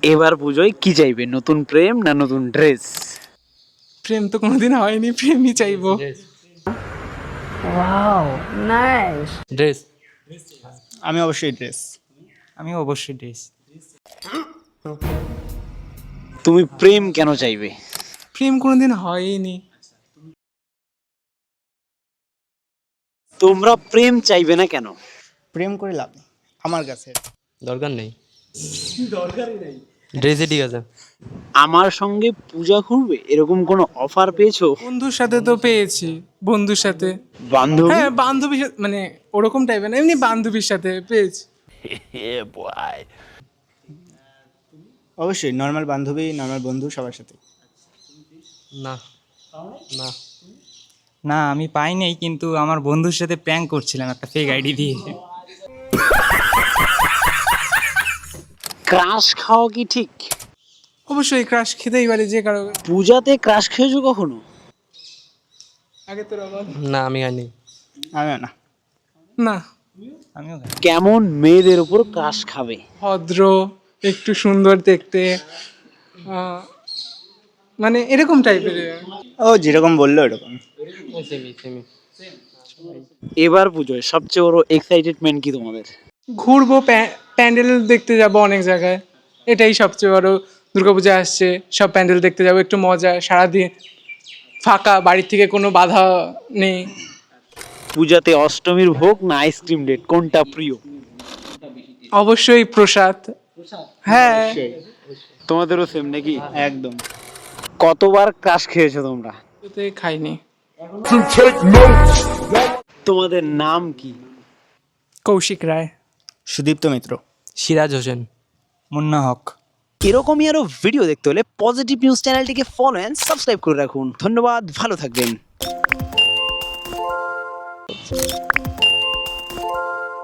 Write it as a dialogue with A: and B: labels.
A: এবার পুজোয় কি চাইবে, নতুন প্রেম না নতুন ড্রেস?
B: প্রেম তো কোনোদিন হয়নি, প্রেমই চাইবো।
C: ড্রেস।
D: আমি অবশ্যই ড্রেস।
C: আমি অবশ্যই ড্রেস।
A: তুমি প্রেম কেন চাইবে?
B: প্রেম কোনোদিন হয়নি।
A: তোমরা প্রেম চাইবে না কেন?
D: প্রেম করে লাভ নেই আমার কাছে।
C: দরকার নেই, ড্রেসে ঠিক আছে।
A: আমার সঙ্গে পূজা করবে এরকম কোনো অফার পেয়েছো?
B: বন্ধুর সাথে তো পেয়েছি, বন্ধুর সাথে।
A: বান্ধবী?
B: হ্যাঁ, বান্ধবীর সাথে, মানে ওরকম টাইপের না, এমনি বান্ধবীর সাথে পেয়েছি।
D: অবশ্যই নর্মাল বান্ধবী, নর্মাল বন্ধু সবার সাথে।
C: না না
E: না, আমি পাই নাই, কিন্তু আমার বন্ধুর সাথে প্র্যাঙ্ক করছিলাম একটা ফেক আইডি দিয়ে।
A: ক্রাশ খাওয়া কি ঠিক?
B: অবশ্যই ক্রাশ খেতেই পারে যে কারো।
A: পূজাতে ক্রাশ খেয়েছো কখনো?
B: আগে তো রকম
C: না, আমি খাইনি।
D: আমিও না।
B: না,
E: আমিও খাই।
A: কেমন মেয়েদের উপর ক্রাশ খাবে?
B: ভদ্র, একটু সুন্দর দেখতে, মানে এরকম টাইপের।
D: ও যেরকম বললো এরকম।
C: Semi semi.
A: এবার পুজোয় সবচেয়ে বড় এক্সাইটেডমেন্ট কি তোমাদের?
B: ঘুরবো, প্যান্ডেল দেখতে যাব অনেক জায়গায়, এটাই সবচেয়ে বড়। দুর্গাপূজা আসছে, সব প্যান্ডেল দেখতে যাবো, একটু মজা, সারাদিন ফাঁকা, বাড়ির থেকে কোনো বাধা নেই।
A: পূজাতে অষ্টমীর ভোগ না আইসক্রিম ডেট, কোনটা প্রিয়?
B: অবশ্যই প্রসাদ। হ্যাঁ,
A: তোমাদেরও সেম নাকি?
D: একদম।
A: কতবার ক্রাশ খেয়েছো তোমরা?
B: ওতে খাইনি।
A: তোমাদের নাম কি?
B: কৌশিক রায়।
D: সুদীপ্ত মিত্র।
C: সিরাজ হোসেন।
E: মুন্না হক।
A: এরকমই আরো ভিডিও দেখতে হলে পজিটিভ নিউজ চ্যানেলটিকে ফলো এন্ড সাবস্ক্রাইব করে রাখুন। ধন্যবাদ, ভালো থাকবেন।